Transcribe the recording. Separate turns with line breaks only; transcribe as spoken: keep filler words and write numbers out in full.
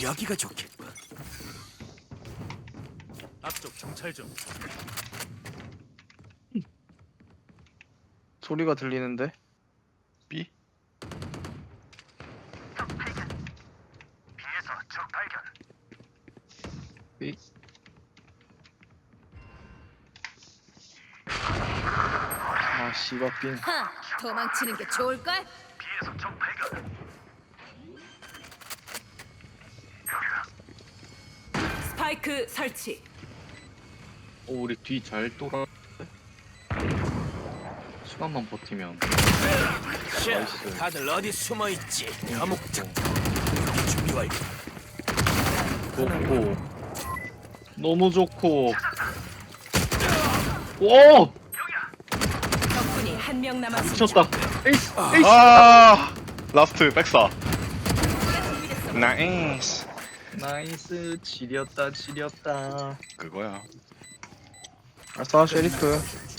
여기가 좋겠군.
앞쪽 정찰 좀.
소리가 들리는데?
B?
B? 아 씨바빙.
하, 도망치는 게 좋을걸?
스파이크 설치.
오 우리 뒤 잘 돌아. 시간만 버티면.
자,
나이스.
다들 어디 숨어 있지? 어묵장. 여기 준비 완료.
좋고. 너무 좋고. 오!
적군이 한 명 남았습니다.
미쳤다. 에이스! 에이스!
아 라스트 백사 나이스
나이스. 지렸다, 지렸다.
그거야
아싸 쉐리프.